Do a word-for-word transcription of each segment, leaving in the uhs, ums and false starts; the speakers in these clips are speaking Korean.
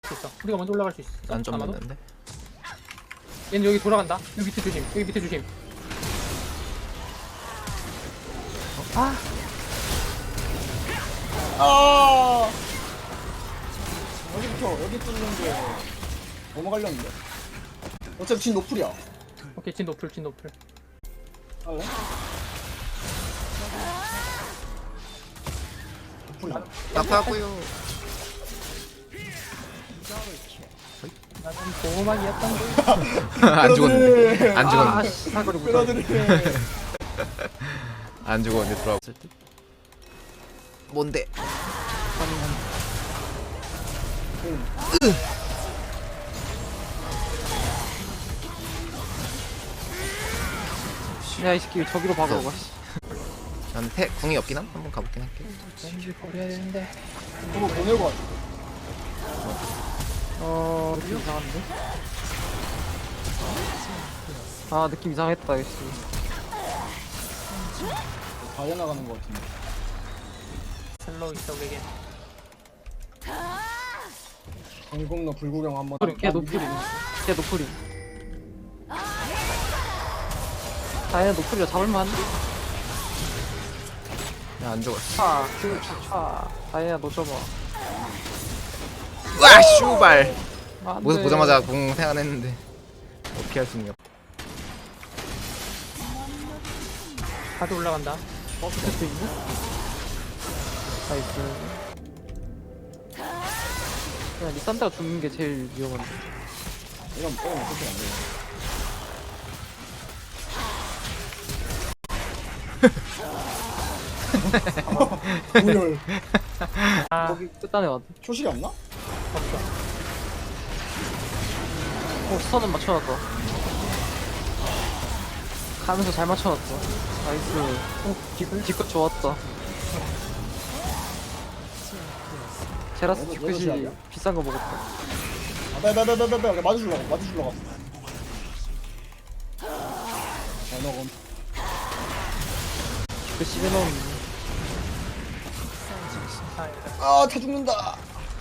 수 있어. 우리가 먼저 올라갈 수 있어. 난 좀 아마도? 늦는데. 얘는 여기 돌아간다. 여기 밑에 조심. 여기 밑에 조심. 아 아 여기부터 여기 뚫는 게 넘어가려는데. 어차피 진 노플이야. 오케이, 진 노플, 진 노플. 할래? 노플이야. 나파고요. 나는 보호막이었던데. 안 죽었는데. 안 죽었는데. 아씨 사거리 못 끌어들이. 안 죽었는데 돌아왔을 때. 뭔데? 야이 새끼 저기로 박아봐. 나는 태 궁이 없긴 함. 한번 가보긴 할게. 왠지 버려야 되는데. 저거 보내고 왔어. 어 느낌 이상한데? 아 느낌 이상했다 역시. 다이아 나가는 거 같은데. 슬로우 있어, 우리에게. 공공너 불구경 한번. 걔 노플임. 걔 노플임. 다이아 노플이라 잡을만한데? 야, 안 죽었어. 차, 그, 차. 다이아 놓쳐봐. 와, 슈발. 안 모습 돼. 보자마자 공 생각했는데 어떻게 할 수 있냐. 다들 올라간다. 어, 스태프 있네? 나이스. 그냥 리산다가 죽는 게 제일 위험한데. 이건 이건 어떻게 안 돼. 우열. 아, 거기 끝단에 왔네. 초실이 없나? 없어. 어, 스턴은 맞춰놨다. 가면서 잘 맞춰놨다. 나이스. 어, 뒷, 뒷끝 좋았다. 제라스 너도- 너도 뒷끝이 시작이야? 비싼 거 먹었다. 아, 빼빼빼빼빼빼. 맞아주려고 맞아주려고. 잘 먹음. 뒷끝 씹어 넣은 아, 다 죽는다.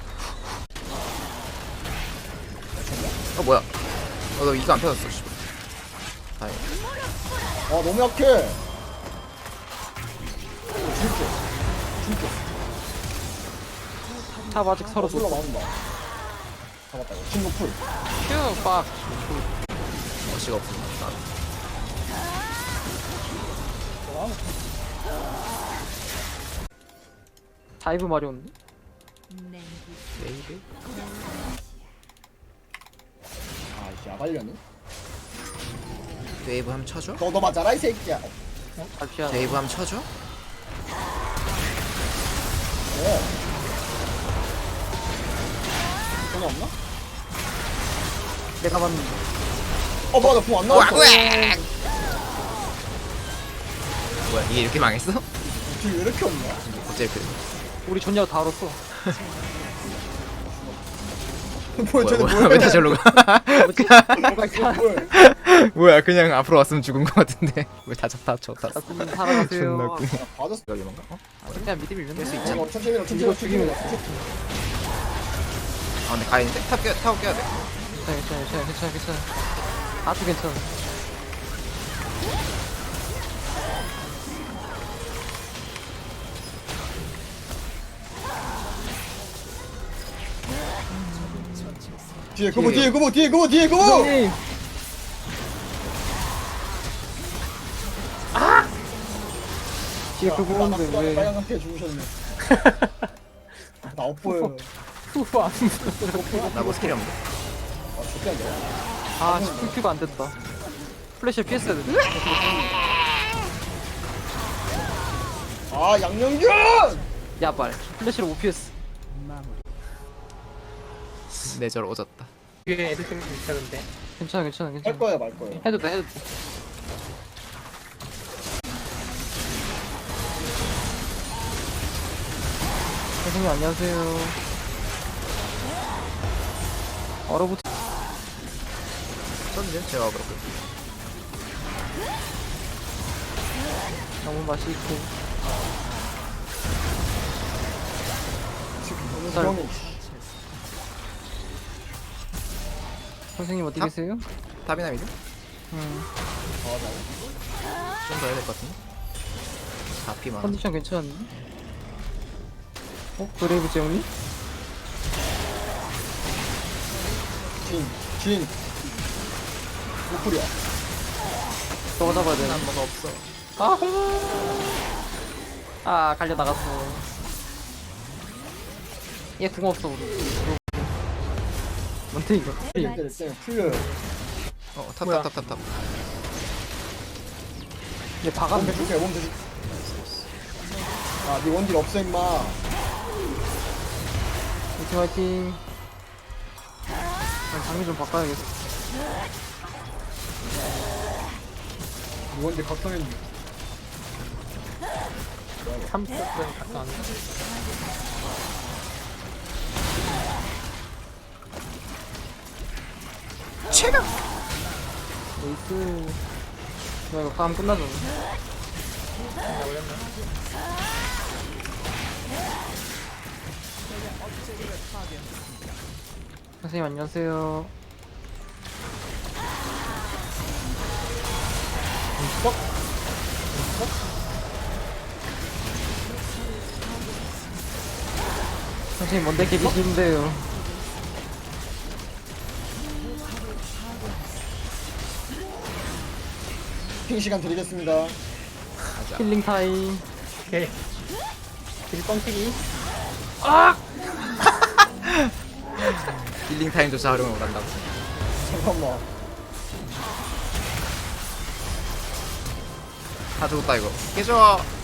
어 뭐야? 어 너 이거 안 펴졌어. 씨발. 다행이다. 아, 너무 약해. 줄게. 줄게. 탑 아직 서로 올라 못 나온다. 잡았다. 이거. 친구 풀. 큐! 빡! 어시가 없습니다. 다이브 마리오인데? 네이브? 아, 이제 야발려네. 웨이브 한번 쳐줘? 너너 맞아라 이 새끼야. 잘 피하네. 웨이브 한번 쳐줘? 네. 전화 없나? 내가 봤는데. 어, 맞아. 공안 우와, 나왔어. 우와! 뭐야 이게 이렇게 망했어? 뒤에 왜 이렇게 없냐? 갑자기 그 우리 존냐가 다 얼었어. 뭐야, 뭐야 쟤네 뭐야 뭐야? 왜 다 절로 가? 뭐야? 뭐야 그냥 앞으로 왔으면 죽은 거 같은데 왜 다 쳤다 쳤다 자, 좀 살아가세요. 존나 웃기네. 받았어. 여기 뭔가? 어? 그냥 미드 밀면 수 돼. 있잖아. 이거 천천히 밀어, 천천히 이거 밀어, 천천히 밀어. 아 근데 가인데? 타고 껴, 타고 껴야 돼. 괜찮아, 괜찮아, 괜찮아, 괜찮아, 괜찮아. 아주 괜찮아. 뒤에 그거 뒤에 그거 뒤에 그거 뒤에 그거. 형님! 뒤에 그거 보는데 왜. 빨간 상태에 죽으셨네. 나 엎어요. 후후 안 나뭐 스킬이 없는데. 아, 좋게 안 돼. 아, 십구 큐가 안 됐다. 플래시를 피했어야 돼. 아, 양영균! 야발. 플래시를 못 피했어. 내절 오졌다. 뒤에 애들 좀 있어, 근데. 괜찮아, 괜찮아, 할 괜찮아. 거야 말 거야. 해도 돼, 해도 돼. 선생님, 안녕하세요. 얼어붙, 쳤는데? 제가 그렇게. 너무 맛있고. 너무 쌀. 구멍이. 선생님 어디 탑? 계세요? 탑이나 미드? 음, 좀 더 해야 될 것 같은데? 다피 많아. 컨디션 괜찮은데? 어? 브레이브 재훈이? 진, 진. 노플이야. 저거 잡아야 돼. 난 뭐가 없어. 아, 홍! 아, 갈려 나갔어. 얘 궁 없어, 우리. 뭔데, 이거? 때릴 때릴 때려. 풀려요. 어, 탑, 뭐야? 탑, 탑, 탑, 탑. 얘 몸 박았네. 대줄게, 몸 대줄게. 아, 네 원딜 없어, 임마. 화이팅, 화이팅. 난 장비 좀 바꿔야겠어. 네 원딜 걱정했는데. 삼 분 갔다 왔네. 체력! 에이스. 야, 이거 다음 끝나잖아. 나 올렸나? 선생님, 안녕하세요. 뻑! 선생님, 뭔데 깨기 힘든데요. 핑 시간 드리겠습니다. 가자. 힐링 타임. 오케이. 길 뻥튀기. 힐링 타임조차 활용을 못한다고. 잠깐만. 다 죽었다, 이거. 깨져!